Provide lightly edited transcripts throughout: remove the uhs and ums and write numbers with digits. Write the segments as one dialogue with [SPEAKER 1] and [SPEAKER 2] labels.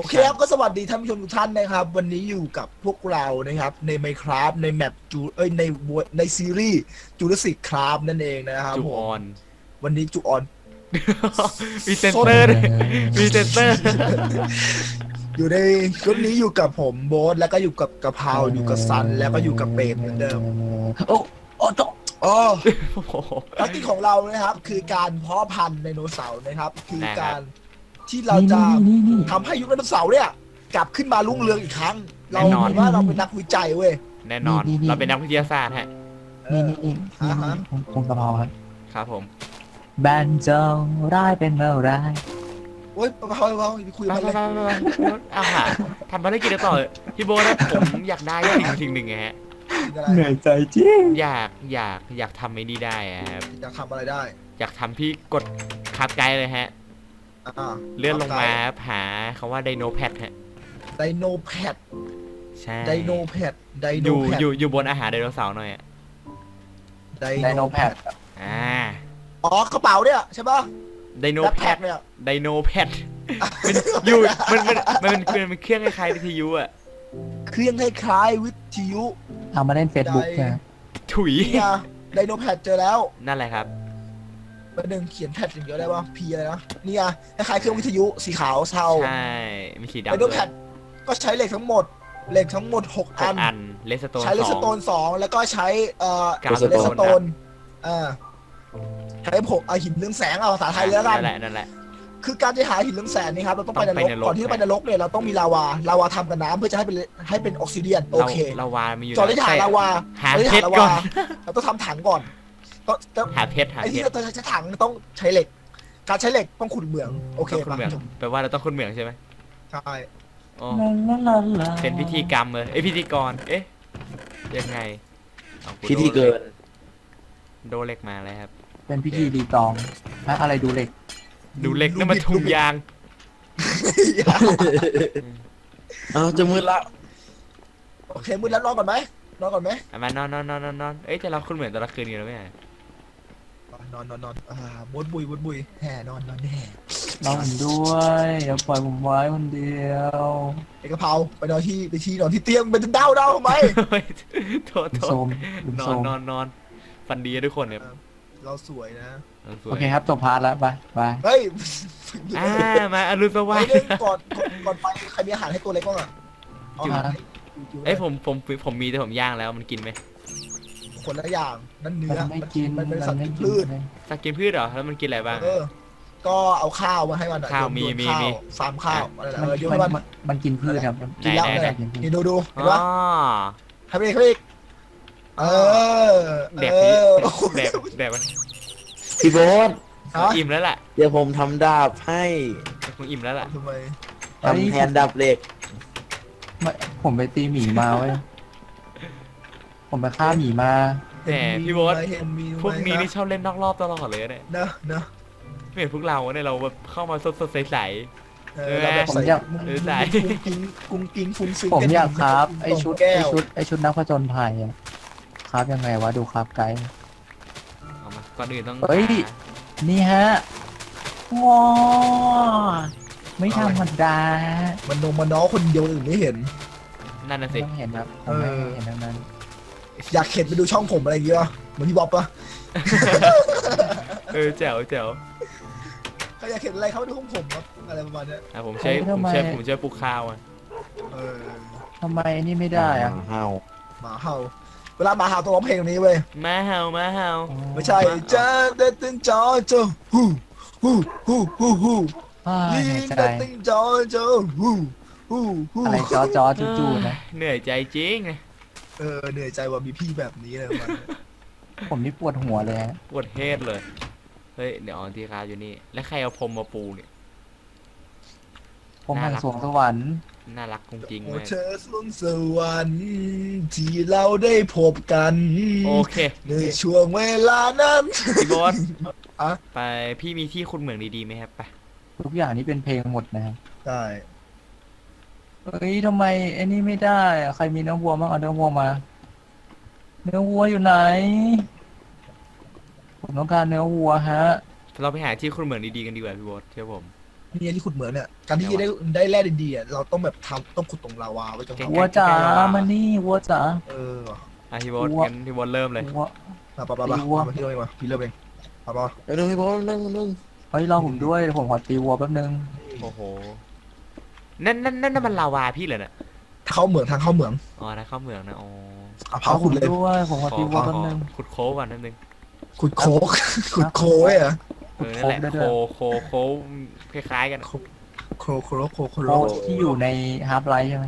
[SPEAKER 1] เคครับก็สวัสดีท่านผู้ชมทุกท่านนะครับวันนี้อยู่กับพวกเรานะครับใน Minecraft ในแมปจูในซีรีส์จูราสสิกคราฟนั่นเองนะครับผม
[SPEAKER 2] จูออน
[SPEAKER 1] วันนี้จูออน
[SPEAKER 2] มีเซนเซอร์ด้วยมีเซนเซอร์
[SPEAKER 1] อยู่ในคลิปนี้อยู่กับผมโบ๊ทแล้วก็อยู่กับกะเพราอยู่กับซันแล้วก็อยู่กับเปรมเหมือนเดิม
[SPEAKER 3] โอ้โอ้โต
[SPEAKER 1] อ๋อ
[SPEAKER 2] โอ้โห
[SPEAKER 1] ภารกิจของเรานะครับคือการเพาะพันธุ์ไดโนเสาร์นะครับคือ
[SPEAKER 2] นะครับ
[SPEAKER 1] การที่เราจะทำให้ยุคไดโนเสาร์เนี่ยกลับขึ้นมารุ่งเรืองอีกครั้ง เราถือว่าเราเป็นนักวิจัยเว้ย
[SPEAKER 2] แน่นอน เราเป็นนักวิทยาศาสตร์ฮะ
[SPEAKER 3] นี่ผมกะเพราครับ
[SPEAKER 2] ครับผม
[SPEAKER 3] แบนจงร้ายเป็นเมื่อไร
[SPEAKER 1] โอ๊ยเบาๆไปคุย
[SPEAKER 2] ไป
[SPEAKER 1] กัน
[SPEAKER 2] ไป
[SPEAKER 1] เลย
[SPEAKER 2] ไปอาหารทำภารกิจกันต่อเลยพี่โบนะผมอยากได้สิ่งหนึ่งไงฮะ
[SPEAKER 1] อะไร
[SPEAKER 3] เหนื่อยใจจริง
[SPEAKER 2] อยากทำไม่นี่ได้อะครับ
[SPEAKER 1] จะทำอะไรได้
[SPEAKER 2] อยากทำพี่กดคับไกด์เลยฮะ
[SPEAKER 1] อ่า
[SPEAKER 2] เลื่อนลงมาหาคำว่าไดโนแพดฮะ
[SPEAKER 1] ไดโนแพด
[SPEAKER 2] ใช่
[SPEAKER 1] ไดโนแพดได
[SPEAKER 2] อ
[SPEAKER 1] โน
[SPEAKER 2] ยู่
[SPEAKER 1] แพด
[SPEAKER 2] อยู่บนอาหารไดโนเสาร์หน่อยอะ
[SPEAKER 1] ได
[SPEAKER 3] ไดโนแพด
[SPEAKER 2] อ่า
[SPEAKER 1] อ๋อกระเป๋าเนี่ยใช่ปะ
[SPEAKER 2] ไดโน
[SPEAKER 1] แบ็ค
[SPEAKER 2] แพ
[SPEAKER 1] แพ็
[SPEAKER 2] ด
[SPEAKER 1] คเนี่ย
[SPEAKER 2] ไดโนแพดมันอยู่มันเป็นเครื่องคล้ายๆวิทยุอะ
[SPEAKER 1] เครื่องคล้ายๆวิทยุ
[SPEAKER 3] เอามาเล่นเฟซบุ๊กใช่ไหม
[SPEAKER 2] ถุย
[SPEAKER 1] นี่ไงไดโนแพดเจอแล้ว
[SPEAKER 2] นั่นแหละครับ
[SPEAKER 1] ประเด็นเขียนแพดอย่างเดียวได้ปะพีอะไรนะนี่ไงคล้ายๆเครื่องวิทยุสีขาวเทา
[SPEAKER 2] ใช่ มีสีดำ
[SPEAKER 1] ไดโนแพดก็ใช้เหล็กทั้งหมด6
[SPEAKER 2] หก
[SPEAKER 1] อัน
[SPEAKER 2] อันเลสโตน
[SPEAKER 1] ใช้เลส
[SPEAKER 2] สอง
[SPEAKER 1] โตน2แล้วก็ใช้
[SPEAKER 2] กาว
[SPEAKER 1] เลสโตน
[SPEAKER 2] ครับ
[SPEAKER 1] ใช้ผมหินเรืองแสงเอาภาษาไทยแล้วกัน
[SPEAKER 2] นั่นแหละ
[SPEAKER 1] คือการจะหาหินเรืองแสงนี่ครับเราต้องไป
[SPEAKER 2] ต้อง
[SPEAKER 1] น
[SPEAKER 2] ไป
[SPEAKER 1] รก
[SPEAKER 2] นรก
[SPEAKER 1] ก่อนที่จะไปนรกเนี่ยเราต้องมีลาวาทำกับน้ำเพื่อจะให้เป็นออกซิเดียนโอเค
[SPEAKER 2] เราวามีอยู่
[SPEAKER 1] ก่อนที่จะหาลาวา
[SPEAKER 2] หา
[SPEAKER 1] ก่อนที่
[SPEAKER 2] เพ
[SPEAKER 1] จะ
[SPEAKER 2] ช
[SPEAKER 1] หาร ลา
[SPEAKER 2] ก่อ
[SPEAKER 1] วาน เราต้องทำถังก่อนต้อง
[SPEAKER 2] หาเพชร
[SPEAKER 1] ไอ้ที่เราจะใช้ถังต้องใช้เหล็ก การใช้เหล็กต้องขุดเหมืองโอเค
[SPEAKER 2] ต้องคุณเหมือง
[SPEAKER 1] ป่ะ
[SPEAKER 2] แปลว่าเราต้องคุณเหมืองใช่ไหม
[SPEAKER 1] ใช่
[SPEAKER 2] โอ้
[SPEAKER 3] ลาลาลา
[SPEAKER 2] เป็นพิธีกรรมเลยพิธีกรยังไงเอากู
[SPEAKER 4] พิธีเกิน
[SPEAKER 2] โดนเหล็กมาเลยครับ
[SPEAKER 3] เป็นพิธีรีตองฮะอะไรดูเหล็ก
[SPEAKER 2] ดูเหล็กนั่นมันถุงยาง
[SPEAKER 4] เอาจะมืดละ
[SPEAKER 1] โอเคมืดแล้วนอนก่อนไหมนอนก่อนไหม
[SPEAKER 2] มานอนแต่เราคุณเหมือนแต่ละคืนกันแล้วไม่ใช่
[SPEAKER 1] นอนบดบุยแห่นอนแห่
[SPEAKER 3] นอนผมด้วยอย่าปล่อยผมไว้คนเดียว
[SPEAKER 1] ไอ้กะเพราไปนอนที่เตียงเป็นเด้าทำไม
[SPEAKER 2] โทษ
[SPEAKER 3] ลุม
[SPEAKER 2] โท
[SPEAKER 3] โซ
[SPEAKER 2] ษ
[SPEAKER 3] มลุม
[SPEAKER 2] น
[SPEAKER 3] โซ
[SPEAKER 2] อน
[SPEAKER 3] ม
[SPEAKER 2] นอนฟันดีทุกคนเนี่ย
[SPEAKER 1] เราสวยนะ
[SPEAKER 2] สวย
[SPEAKER 3] โอเคครับจบพาร์ทแล้วไป
[SPEAKER 1] เฮ้ย
[SPEAKER 2] มาอรุณสวั
[SPEAKER 1] ไอ้
[SPEAKER 2] สดิ์
[SPEAKER 1] เรื่องก่อนไปใครมีอาหารให้ตัวเล็กบ้างอ่ะ
[SPEAKER 2] เอ้ยผมมีแต่ผมย่างแล้วมันกินไหม
[SPEAKER 1] คนละอย่างนั่นเนื้อ
[SPEAKER 3] มันไม่กิน
[SPEAKER 1] มันเป็น
[SPEAKER 3] มั
[SPEAKER 1] สัต
[SPEAKER 3] น
[SPEAKER 1] ว์
[SPEAKER 3] ไม่
[SPEAKER 1] กิน
[SPEAKER 3] กิน
[SPEAKER 1] พืช
[SPEAKER 2] สักกินพืชเหรอแล้วมันกินอะไรบ้าง
[SPEAKER 1] ก็เอาข้าวมาให้มัน
[SPEAKER 2] ข้าวมี
[SPEAKER 1] ฟาร์มข้าวอะไร
[SPEAKER 3] มัน
[SPEAKER 1] โยนให้มัน
[SPEAKER 3] มันกินพืชครับ
[SPEAKER 1] กินแล้ว
[SPEAKER 2] ไหน
[SPEAKER 1] นี่ดู
[SPEAKER 2] อ๋
[SPEAKER 1] เห็นปะ
[SPEAKER 2] อ
[SPEAKER 1] ให้ไปอีก
[SPEAKER 2] แดก แดกมัน
[SPEAKER 4] พี่โบ๊ท
[SPEAKER 2] อิ่มแล้วล่ะ
[SPEAKER 4] เดี๋ยวผมทำดาบให้
[SPEAKER 2] คงอิ่มแล้วล่ะ
[SPEAKER 1] ทำไม
[SPEAKER 4] ทำแทนดาบเหล็ก
[SPEAKER 3] ผมไปตีหมีมาเว้ยผมไปฆ่าหมีมา
[SPEAKER 2] แหมพี่โบ๊ท
[SPEAKER 1] เห็นมี
[SPEAKER 2] พวกนี้นี่ชอบเล่นนอกรอบตลอดเลยเนี่ย
[SPEAKER 1] เนอะ
[SPEAKER 2] ไม่เห็นพวกเราเนี่ยเราแบบเข้ามาสดใส
[SPEAKER 1] เราแบบ
[SPEAKER 3] ผมอยาก
[SPEAKER 1] ใส่กุ้งกิ้งฟุ้งฟิ้ง
[SPEAKER 3] ผมอยากครับไอ
[SPEAKER 1] ตรง
[SPEAKER 3] ชุด
[SPEAKER 1] แก้ว
[SPEAKER 3] นักผจญภัยอะครับยังไงวะดูครับไกด์
[SPEAKER 2] ๆเอามาก่อนอื่นต้อง
[SPEAKER 3] เฮ้ย นี่ฮะว้าไม่ธรรมดา
[SPEAKER 1] มันนมมันน้อคนเดียวอื่นไม่เห็น
[SPEAKER 2] นั่นน่ะ
[SPEAKER 3] ไม่
[SPEAKER 2] สิ
[SPEAKER 3] ต้องเห็นครับผมไม่เห็นทั้งนั้น
[SPEAKER 1] อยากเข็ดไปดูช่องผมอะไรอย่างเงี้ยเหมือนพี่บ๊อบปะ
[SPEAKER 2] แจ๋ว
[SPEAKER 1] ใครอยากเห็นอะไรเขาไปดูของผมครับอะไรประมาณเนี้ย
[SPEAKER 2] ผมช่วยปลูกข้าวอ่ะ
[SPEAKER 1] เออ
[SPEAKER 3] ทำไมนี่ไม่ได้อะ
[SPEAKER 4] เฮา
[SPEAKER 1] หมาเห่าเวลาหมาเห่าต้องร้องเพลงนี้เว้ย
[SPEAKER 2] มาเห่า
[SPEAKER 1] ไม่ใช่เจอเด็ดตึงจอเจอฮูฮู
[SPEAKER 3] อ้า
[SPEAKER 1] ยิ
[SPEAKER 3] เหนื่อย
[SPEAKER 1] ง
[SPEAKER 3] ใจ
[SPEAKER 1] เด็ดตึงจอเจอฮู
[SPEAKER 3] อะไรจอจู่ๆนะ
[SPEAKER 2] เหนื่อยใจจริง
[SPEAKER 1] เหนื่อยใจว่ามีพี่แบบนี้เลยมัน
[SPEAKER 3] ผมนี่ปวดหัวเลยฮะ
[SPEAKER 2] ปวดเฮดเลยเฮ้ยเดี๋ยวทีคาอยู่นี่แล้วใครเอาพรมมาปูเนี่ย
[SPEAKER 3] ผมหันสวงสวรรค์
[SPEAKER 2] น่ารักจริง
[SPEAKER 1] โอ้
[SPEAKER 2] เลย
[SPEAKER 1] เธอสวงสวรรค์ที่เราได้พบกัน
[SPEAKER 2] โอเค
[SPEAKER 1] ในช่วงเวลานั้น
[SPEAKER 2] พี่บอส
[SPEAKER 1] อะ
[SPEAKER 2] ไปพี่มีที่คุณเหมืองดีๆไหมครับไป
[SPEAKER 3] ทุกอย่างนี่เป็นเพลงหมดนะครับ
[SPEAKER 1] ใช่
[SPEAKER 3] เฮ้ยทำไมไอ้นี่ไม่ได้อะใครมีเนื้อวัวบ้างเอาเนื้อวัวมา เนื้อวัวอยู่ไหน ผมต้องการเนื้อวัวฮะ
[SPEAKER 2] เราไปหาที่คุณเหมืองดีๆกันดีกว่าพี่บอสเชื่อผม
[SPEAKER 1] นี่ที่ขุดเหมืองเนี่ยการที่จะได้แร่ดีๆอะเราต้องแบบต้องขุดตรงลาวาไว้ตรง
[SPEAKER 3] วัวจ๋ามานี่วัวจ๋า
[SPEAKER 1] เออ
[SPEAKER 2] พี่โบ๊ทงั้นพี่โบ๊ทเริ่มเลย
[SPEAKER 3] วัว
[SPEAKER 1] มาปะมาที่เริ่มเองมาพี่เริ่มเองปะ
[SPEAKER 4] เดี๋ยวพี่โบ๊ทนั่ง
[SPEAKER 3] เฮ้ยรอผมด้วยเดี๋ยวผมขอตีวัวแป๊บนึง
[SPEAKER 2] โอ้โหนั่นมันลาวาพี่เลยเนี่ย
[SPEAKER 1] เข้าเหมืองทางเข้าเหมือง
[SPEAKER 2] อ๋อนะเข้าเหมืองนะอ๋อ
[SPEAKER 1] เผาขุดเลย
[SPEAKER 3] ด้วยผมขอตีวัวแป๊บนึง
[SPEAKER 2] ขุดโค้กก่อนนิดนึง
[SPEAKER 1] ขุดโคกขุดโคไว้เหรอ
[SPEAKER 2] นั่นแหละโค้คล้ายๆกัน
[SPEAKER 1] โค
[SPEAKER 3] โอ้ที่อยู่ในฮาร์ปไลท์ใช่ไหม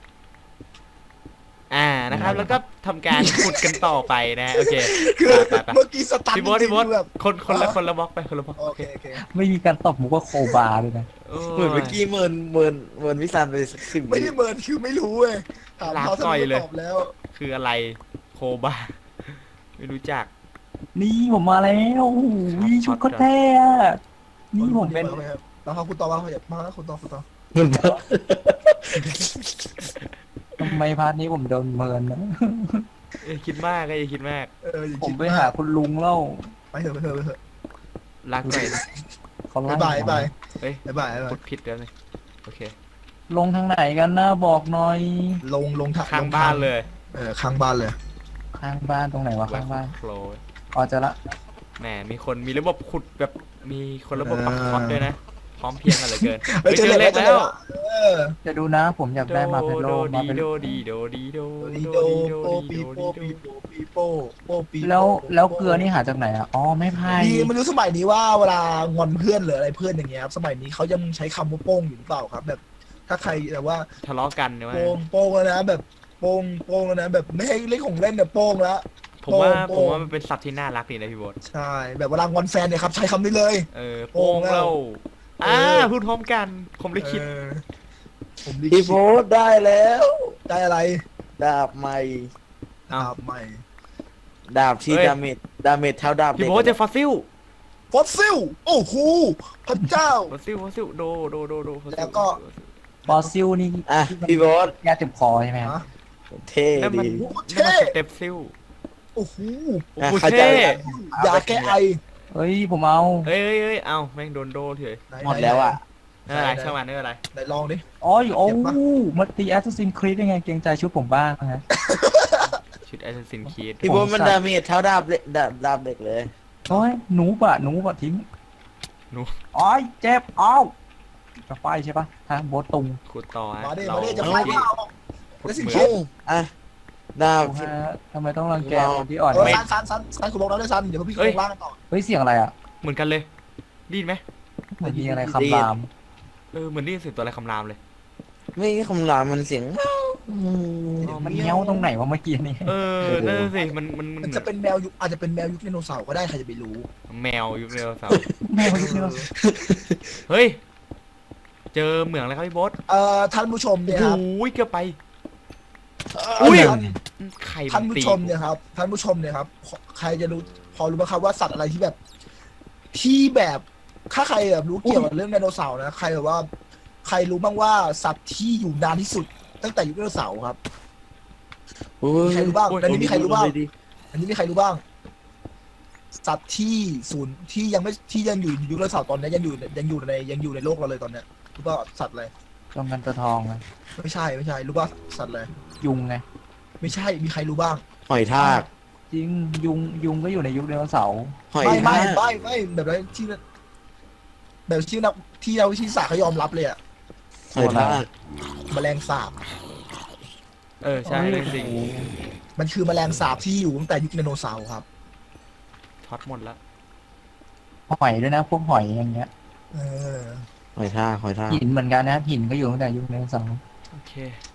[SPEAKER 2] นะครับแล้วก็ทำการขุดกันต่อไปนะโอเค
[SPEAKER 1] คือ
[SPEAKER 2] ไป
[SPEAKER 1] เมื่อกี้สตัน
[SPEAKER 2] พี่โบ๊ท
[SPEAKER 1] แบบ
[SPEAKER 2] คนละบล็อกไปคนละบล็อก
[SPEAKER 1] โอเค
[SPEAKER 3] ไม่มีการตบมุกว่าโคบาเลยนะ
[SPEAKER 4] เหมือนเมื่อกี้เมินวิสานไปสัก10
[SPEAKER 1] ไม่ได้เมินคือไม่รู้เว้ยถามเขาตอบแล้ว
[SPEAKER 2] คืออะไรโคบาไม่รู้จัก
[SPEAKER 3] นี่ผมมาแล้วโอ้โหชุดก็แท้อะนี่ผมเป็น
[SPEAKER 1] แล้วเขาคุณต่อมาอย่ามาคุณต่อ
[SPEAKER 4] เหมือน
[SPEAKER 3] ทำไมพาร์ทนี้ผมโดนเมินนะ
[SPEAKER 2] คิดมากอย่าคิดมาก
[SPEAKER 3] ผมไปหาคุณลุงเล่า
[SPEAKER 1] ไปเถอะ
[SPEAKER 2] รักหน่อย
[SPEAKER 3] เขาไล่
[SPEAKER 1] บาย
[SPEAKER 2] เฮ้ย
[SPEAKER 1] บาย
[SPEAKER 2] พูดผิดแล้วเลยโอเค
[SPEAKER 3] ลงทางไหนกันนะบอกหน่อย
[SPEAKER 1] ลง
[SPEAKER 2] ข้างบ้านเลย
[SPEAKER 1] ข้างบ้านเลย
[SPEAKER 3] ข้างบ้านตรงไหนวะข้างบ้าน
[SPEAKER 2] โคล
[SPEAKER 3] อ๋อเจอละ
[SPEAKER 2] แหมมีระบบขุดแบบมีคนระบบปักท็อตด้วยนะพร้อมเพรียงกันเหลือเกิน
[SPEAKER 1] เจอ
[SPEAKER 2] เล็กแล้ว
[SPEAKER 3] จะดูนะผมอยากได้มาเป็นโลมาเป็น
[SPEAKER 2] โด
[SPEAKER 1] ดีโดโปปีโปปี
[SPEAKER 3] แล้วเกลือนี่หาจากไหนอ่ะอ๋อไม่พาย
[SPEAKER 1] ดีมันรู้สมัยนี้ว่าเวลางอนเพื่อนหรืออะไรเพื่อนอย่างเงี้ยครับสมัยนี้เขายังใช้คำว่าโป้งอยู่หรือเปล่าครับ แบบถ้าใครแบบว่า
[SPEAKER 2] ทะเลาะกันเนี่ยว่า
[SPEAKER 1] โป้งแล้วนะแบบโป้งแล้วนะแบบไม่ให้เล่นของเล่นเนี่ยโป้งแล้ว
[SPEAKER 2] ผมว่ามันเป็นศัพท์ที่น่ารักดีนะพี่โบ๊ท
[SPEAKER 1] ใช่แบบเวลางอนแฟนเนี่ยครับใช้คำนี้เลย
[SPEAKER 2] โป้งแล้วพูดพร้อมกันผมเลยคิด
[SPEAKER 1] ผม
[SPEAKER 4] พี่โบ๊ทได้แล้ว
[SPEAKER 1] ได้อะไร
[SPEAKER 4] ดาบใหม่
[SPEAKER 1] ดาบใหม่
[SPEAKER 4] ดาบที่ดาเมจเท่าดาบ
[SPEAKER 2] พี่โบ๊ทเจอฟอสซิล
[SPEAKER 1] ฟอสซิลโอ้โหพระเจ้า
[SPEAKER 2] ฟอสซิลโด
[SPEAKER 1] แล้วก็
[SPEAKER 3] ฟอสซิลนี่
[SPEAKER 4] อ่ะพี่โบ๊ท
[SPEAKER 3] ยาเจ็บคอใช่ไหมครับ
[SPEAKER 4] เท่
[SPEAKER 2] นั่นมัน
[SPEAKER 4] ดี
[SPEAKER 1] เท่
[SPEAKER 2] สเต็ปซิล
[SPEAKER 1] โอ้โห
[SPEAKER 2] โอ้โห
[SPEAKER 4] เข้าใจ
[SPEAKER 2] เท่
[SPEAKER 1] ยาแก้ไอ
[SPEAKER 3] เฮ้ยผมเอา
[SPEAKER 2] เฮ้ยเอาแม่งโดนโดเถอะ
[SPEAKER 4] หมดแล้วอ่ะ
[SPEAKER 2] อะไรช่างมันไม่เป็นไร
[SPEAKER 1] ไหนลองดิ
[SPEAKER 3] อ๋อโอ้มาตีแอสซัสซินครีดยังไงเกรงใจชุดผมบ้างนะฮะ
[SPEAKER 2] ชุดแอสซัสซินคีด
[SPEAKER 4] พี่โบ๊ทมันดาเมจเท่าดาบดาบเด็กเลย
[SPEAKER 3] โอ้ยหนูปะทิ้ง
[SPEAKER 2] หนู
[SPEAKER 3] อ๋อยเจ็บอ้าวจะไฟใช่ปะฮะโบทตุง
[SPEAKER 2] ขุดต่อ
[SPEAKER 1] มาดิ
[SPEAKER 2] เรา
[SPEAKER 1] มาดิจะ
[SPEAKER 2] ขุ
[SPEAKER 1] ไป
[SPEAKER 2] ด
[SPEAKER 1] เปล่า
[SPEAKER 2] เหมื
[SPEAKER 1] สิ
[SPEAKER 2] อง
[SPEAKER 1] เข็ม
[SPEAKER 4] อ่ะดาบ
[SPEAKER 3] ฮะทำไมต้องรังแกคนที่อ่อน
[SPEAKER 1] ซันคุณบอกแล้วด้วยซันเดี๋ยวพี่ลงล่างกันต่อ
[SPEAKER 3] เฮ้ยเสียงอะไรอ่ะ
[SPEAKER 2] เหมือนกันเลยได้ยินไหม
[SPEAKER 3] เหมือนมีอะไรคำราม
[SPEAKER 2] เหมือนได้ยินเสียงตัวอะไรคำรามเลย
[SPEAKER 4] ไม่คำรามมันเสียง
[SPEAKER 3] มันเงี้ยวตรงไหนวะเมื่อกี้นี่
[SPEAKER 2] นั่นสิมัน
[SPEAKER 1] มันจะเป็นแมวยุคอาจจะเป็นแมวยุคไดโนเสาร์ก็ได้ใครจะไปรู้
[SPEAKER 2] แมวยุคเร็วเสาร์
[SPEAKER 3] แม่งเงี้ยว
[SPEAKER 2] เฮ้ยเจอเหมืองอะไรครับพี่โบ๊ท
[SPEAKER 1] ท่านผู้ชมเนี่ยครับ
[SPEAKER 2] โอ้ยเกือบไป ไข่
[SPEAKER 1] ท่านผู้ชมเนี่ยครับท่านผู้ชมเนี่ยครับใครจะรู้พอรู้ไหมครับว่าสัตว์อะไรที่แบบถ้าใครแบบรู้เกี่ยวกับเรื่องไดโนเสาร์นะใครแบบว่าใครรู้บ้างว่าสัตว์ที่อยู่นานที่สุดตั้งแต่ยุคไดโนเสาร์ครับมีใครรู้บ้างอันนี้มีใครรู้บ้างอันนี้มีใครรู้บ้างสัตว์ที่ศูนย์ที่ยังอยู่ยุคไดโนเสาร์ตอนนี้ยังอยู่ในโลกเราเลยตอนเนี้ยรู้ป่ะสัตว์อะไร
[SPEAKER 3] ตรงกันตัวทองเลย
[SPEAKER 1] ไม่ใช่รู้ป่ะสัตว์อะไร
[SPEAKER 3] ยุงไง
[SPEAKER 1] ไม่ใช่มีใครรู้บ้าง
[SPEAKER 4] หอยทาก
[SPEAKER 3] จริงยุงก็อยู่ในยุคไดโนเสาร์
[SPEAKER 4] หอย
[SPEAKER 1] ไม่
[SPEAKER 4] ทาก
[SPEAKER 1] แบบนั้นที่แบบที่นักที่เราวิทยาศาสตร์เขายอมรับเลยอะ
[SPEAKER 4] หอยทาก
[SPEAKER 1] แมลงสาบ
[SPEAKER 2] ใช่เลยสิ
[SPEAKER 1] มันคือแมลงสาบที่อยู่ตั้งแต่ยุคไดโนเสาร์ครับ
[SPEAKER 2] ช็อตหมดแล้ว
[SPEAKER 3] หอยด้วยนะพวกหอยอย่างเงี้ย
[SPEAKER 1] เออ
[SPEAKER 4] หอยทาก
[SPEAKER 3] หินเหมือนกันนะหินก็อยู่ตั้งแต่ยุคไดโนเสาร์
[SPEAKER 2] โอเค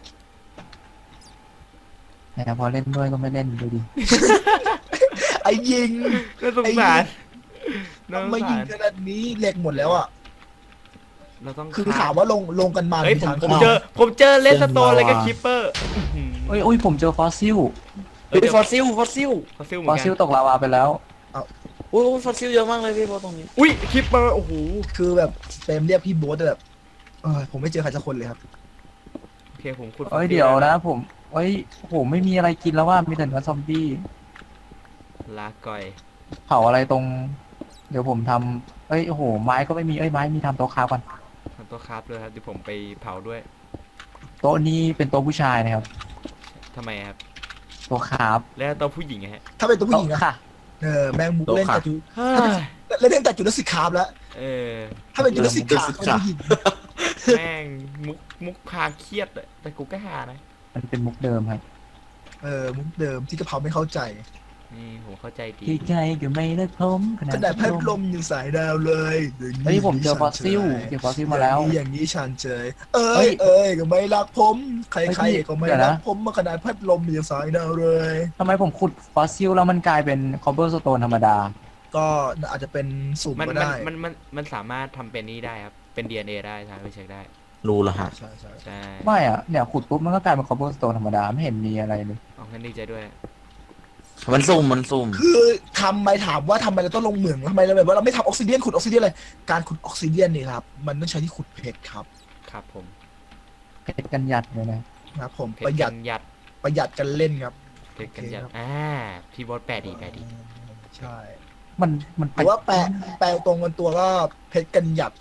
[SPEAKER 3] แต่พอเล่นด้วยก็ไม่เล่นดูดิ
[SPEAKER 1] ไอ้ยิง
[SPEAKER 2] น่าสงสาร
[SPEAKER 1] ไม่ยิงขนาดนี้เหล็กหมดแล้วอ่ะ
[SPEAKER 2] เราต้อง
[SPEAKER 1] คือถามว่าลงกันมา
[SPEAKER 2] เฮ้ย
[SPEAKER 1] ทาง
[SPEAKER 2] ผมเจอเลสโตนอะไรกับคิปเปอร์
[SPEAKER 3] โอ้ยผมเจอฟอสซิล
[SPEAKER 4] เป็นฟอสซิล
[SPEAKER 2] ฟอสซิลเหมื
[SPEAKER 3] ฟ
[SPEAKER 2] อ
[SPEAKER 3] อน ส
[SPEAKER 2] กั
[SPEAKER 3] ซิล
[SPEAKER 2] น
[SPEAKER 3] ตกลาวาไปแล้ว
[SPEAKER 4] โอ้ยฟอสซิลเยอะมากเลยพี่โบ๊ทตรงนี้
[SPEAKER 2] อุ้ยคิปเปอร์โอ้โห
[SPEAKER 1] คือแบบเต็มเรียกพี่โบ๊ทแบบผมไม่เจอใครสักคนเลยครับ
[SPEAKER 2] โอเคผมขุด
[SPEAKER 3] เอ้ยเดี๋ยวนะผมผมไม่มีอะไรกินแล้วว่ามีแต่เนื้อซอมบี้
[SPEAKER 2] ลาก่อย
[SPEAKER 3] เผาอะไรตรง เดี๋ยวผมทำโอ้โหไม้ก็ไม่มีไม้มีทำโต๊ะค้าก่อน
[SPEAKER 2] ำโต๊ะคราฟด้วยครับเดี๋ยวผมไปเผาด้วย
[SPEAKER 3] โต๊ะนี้เป็นโต๊ะผู้ชายนะครับ
[SPEAKER 2] ทำไมครับ
[SPEAKER 3] โต๊ะครับ
[SPEAKER 2] แล้วโต๊ะผู้หญิงอะฮะ
[SPEAKER 1] ถ้าเป็นตัวผู้หญิงอะ
[SPEAKER 3] โต๊ะค่ะ
[SPEAKER 1] แมงมุกเล่นแต่จุ
[SPEAKER 2] เฮ้ย
[SPEAKER 1] เล่นแต่จุลศิษย์คราฟแล้ว
[SPEAKER 2] เออ
[SPEAKER 1] ถ้าเป็นจุลศิษย์คราฟเป็นผู้หญิง
[SPEAKER 2] แม่งมุกพาเครียดอะแต่กูก็หานะ
[SPEAKER 3] มันเป็นมุกเดิมครับ
[SPEAKER 1] มุกเดิมที่กระเพราไม่เข้าใจ
[SPEAKER 2] นี่ผมเข้าใจดี
[SPEAKER 3] ที่ใครก็ไม่รักผมขนา
[SPEAKER 1] ข
[SPEAKER 3] ด
[SPEAKER 1] นาดพัดลมยังสายดาวเลยอย่างนี้
[SPEAKER 3] เฮ้ยผมเจอฟอสซิลเจอฟอสซิลมาแล้ว
[SPEAKER 1] อย่างนี้ฉันเจอ
[SPEAKER 3] เฮ้ย
[SPEAKER 1] ก็ไม่รักผมใค
[SPEAKER 3] เฮ้
[SPEAKER 1] ร
[SPEAKER 3] ย
[SPEAKER 1] ๆก็ไม่
[SPEAKER 3] เดี๋ยว
[SPEAKER 1] รั
[SPEAKER 3] นะ
[SPEAKER 1] กผมมาขนาดพัดลมยังสายดาวเลย
[SPEAKER 3] ทำไมผมขุดฟอสซิลแล้วมันกลายเป็นคอเบอร์สโตนธรรมดา
[SPEAKER 1] ก็อาจจะเป็นสุ่ม
[SPEAKER 2] มัน
[SPEAKER 1] ก็
[SPEAKER 2] มัน
[SPEAKER 1] ได้
[SPEAKER 2] มันสามารถทำเป็นนี่ได้ครับ เป็น DNA ได้สามารถไปเช็คได้
[SPEAKER 4] รู้แล้วฮะ
[SPEAKER 1] ใช่ใช่
[SPEAKER 2] ใช่
[SPEAKER 3] ไม่อะเนี่ยขุดปุ๊บมันก็กลายเป็นคอเบอร์สโตนธรรมดาไม่เห็นมีอะไรเลย
[SPEAKER 2] เอางั้นดีใจด้วย
[SPEAKER 4] มันซุ่ม
[SPEAKER 1] คือทำไมถามว่าทำไมเราต้องลงเหมืองทำไมเราแบบว่าเราไม่ทำออกซิเดียนขุดออกซิเดียนเลยการขุดออกซิเดียนนี่ครับมันต้องใช้ที่ขุดเพชรครับ
[SPEAKER 2] ครับผม
[SPEAKER 3] เพชรกันหยัดเลยนะ
[SPEAKER 1] นะครับผม
[SPEAKER 2] เพ
[SPEAKER 1] ป
[SPEAKER 2] ช
[SPEAKER 1] ระ
[SPEAKER 2] ร
[SPEAKER 1] หยั
[SPEAKER 2] กั
[SPEAKER 1] ด
[SPEAKER 2] นหยัด
[SPEAKER 1] ประหยัดกันเล่นครับ
[SPEAKER 2] เพชรกันหยัด
[SPEAKER 1] โอเคครับ
[SPEAKER 2] พี่บอสแปลดี
[SPEAKER 1] ใช่
[SPEAKER 3] มัน
[SPEAKER 1] หรือว่าแปลตรงกันตัวก็เพชรกันหยัด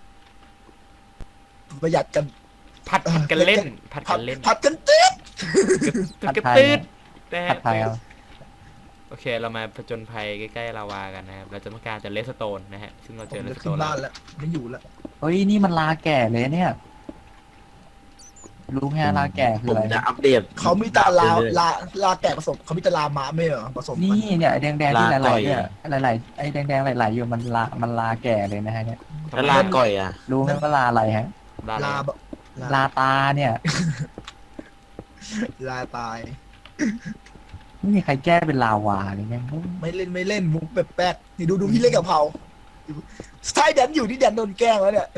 [SPEAKER 1] ประหยัดกัน
[SPEAKER 2] ผัดกันเล่น ผัดกันเล่น
[SPEAKER 1] ผัดกันติ๊ด
[SPEAKER 2] กระตืดนะ
[SPEAKER 3] ผั
[SPEAKER 2] ฮะ
[SPEAKER 3] ดไทยครับ
[SPEAKER 2] โอเคเรามาผจญภัยใกล้ๆลาวากันนะครับเราจะต้องการจะเลสโตนนะฮะซึ่งเรา
[SPEAKER 1] ผ
[SPEAKER 2] เจอ
[SPEAKER 1] ม
[SPEAKER 2] เล
[SPEAKER 1] จะ
[SPEAKER 2] สโต
[SPEAKER 1] ขึ้น
[SPEAKER 2] น
[SPEAKER 1] บ้าน
[SPEAKER 2] แล้ว
[SPEAKER 1] แล้วไม่อยู่แล้ว
[SPEAKER 3] เฮ้ยนี่มันลาแก่เลยเนี่ย รู้ไหมฮะลาแก่คือ
[SPEAKER 4] ผม
[SPEAKER 3] อะไร
[SPEAKER 4] จะอัปเดต
[SPEAKER 1] เขามีแต่ลา
[SPEAKER 4] เรื่อย
[SPEAKER 1] ลาแกะผสมเขามีแต่ลาม้าไม่เหรอผสมกั
[SPEAKER 3] นี่เนี่ยไอ้แดงๆที่
[SPEAKER 4] ลา
[SPEAKER 3] ไหล
[SPEAKER 4] ก่อย
[SPEAKER 3] ๆเนี่ยไหลๆไอ้แดงๆไหลๆอยู่มันลาแก่เลยนะฮะเนี่ย
[SPEAKER 4] ๆแล้วลาก่อยอ่ะ
[SPEAKER 3] รู้ไหมว่าลาอะไรฮะ
[SPEAKER 2] ลา
[SPEAKER 1] ลา
[SPEAKER 2] อะไร
[SPEAKER 1] แบบ
[SPEAKER 3] ลาตาเนี่ย
[SPEAKER 1] ลาตาย
[SPEAKER 3] ไม่มีใครแก้เป็นลาวาเลยแม่ง
[SPEAKER 1] ไม่เล่นมุกแปลกๆนี่ดูพี่เล่นกับเผาใช่แดนอยู่ที่แดนโดนแกล้งแล้วเนี่ย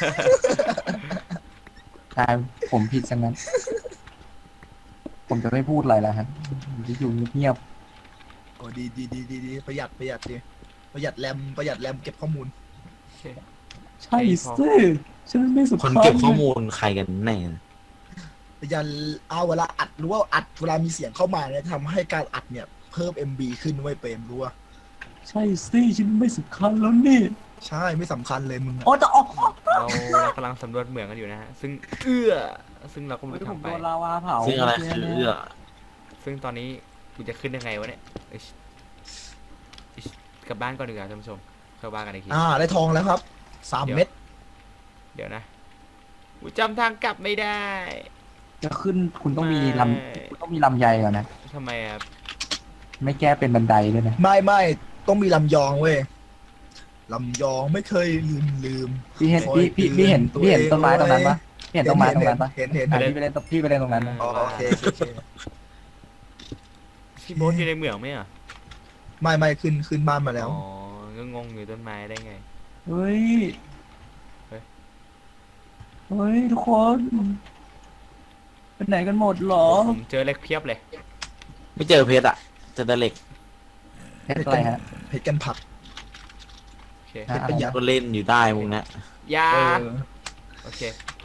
[SPEAKER 3] กลายผมผิดซะงั้น ผมจะไม่พูดอะไรแล้วฮะอยู่เงียบ
[SPEAKER 1] โอ้ดีประหยัดดีประหยัดแรมเก็บข้อมูล
[SPEAKER 2] โอเค
[SPEAKER 3] ๆใช่สิฉันไม่สุ
[SPEAKER 4] คนเก็บข้อมูลใครกันแน่
[SPEAKER 1] ประหยัดเอาเวลาอัดรู้ว่าอัดเวลามีเสียงเข้ามาเนี่ยทำให้การอัดเนี่ยเพิ่ม MB ขึ้นไว้ยเปรมรู้ว่า
[SPEAKER 3] ใช่สิฉันไม่สำคัญแล้วนี่
[SPEAKER 1] ใช่ไม่สำคัญเลยมึงอะ
[SPEAKER 3] โอ้จะออก
[SPEAKER 2] เรากำลังสำรวจเหมืองกันอยู่นะฮะซึ่งซึ่งเราก็ไม่
[SPEAKER 3] เฮ้ย
[SPEAKER 2] รู้
[SPEAKER 3] ผม
[SPEAKER 2] ทำไป
[SPEAKER 3] โดนลาวาเผา
[SPEAKER 4] ซึ่งอะไรคือเอื้อ
[SPEAKER 2] ซึ่งตอนนี้กูจะขึ้นยังไงวะเนี่ยอิ๊ชกลับบ้านก่อนดีกว่าท่านผู้ชมเข้าบ้านกันอีกที
[SPEAKER 1] ได้ทองแล้วครับ3 เม็ด
[SPEAKER 2] เดี๋ยวนะกูจำทางกลับไม่ได้
[SPEAKER 3] จะขึ้นคุณต้องมีลำคุณต้องมีลำไยก่อนนะ
[SPEAKER 2] ทำไมครับ
[SPEAKER 3] ไม่แก้เป็นบันไดด้วยนะ
[SPEAKER 1] ไม่ต้องมีลำยองเว้ยลำยองไม่เคยลืม
[SPEAKER 3] พี่เห็น
[SPEAKER 1] คอย
[SPEAKER 3] พี่เห็น
[SPEAKER 1] เตือน
[SPEAKER 3] พี่เห็น
[SPEAKER 1] ตัวเอง
[SPEAKER 3] ต้นไม้ตรงนั้นปะพี่เห็นต้นไม้ตรงนั้นปะ
[SPEAKER 1] เห็น
[SPEAKER 3] อ่ะพี่ไปเล่นตรงนั้นนะ
[SPEAKER 1] อ๋อโอเค
[SPEAKER 2] พี่โบ๊ทอยู่ในเหมืองไหมอ่ะ
[SPEAKER 1] ไม่ขึ้นบ้านมาแล้ว
[SPEAKER 2] อ๋อก็งงอยู่ต้นไม้ได้ไง
[SPEAKER 3] เฮ้ย
[SPEAKER 2] เฮ้ย
[SPEAKER 3] เฮ้ยทุกคน เป็นไหนกันหมดหรอ
[SPEAKER 2] ผมเจอเหล็กเพียบเลย
[SPEAKER 4] ไม่เจอเพชรอ่ะเจอแต่เหล็ก
[SPEAKER 3] เพชรอะไรฮะ
[SPEAKER 1] เพชรกันผัก
[SPEAKER 2] โอเค
[SPEAKER 3] ฮะ
[SPEAKER 1] ประหยัด
[SPEAKER 4] ก็เล่นอยู่ได้มึงนะ
[SPEAKER 2] ยา
[SPEAKER 1] เออ
[SPEAKER 2] โอเค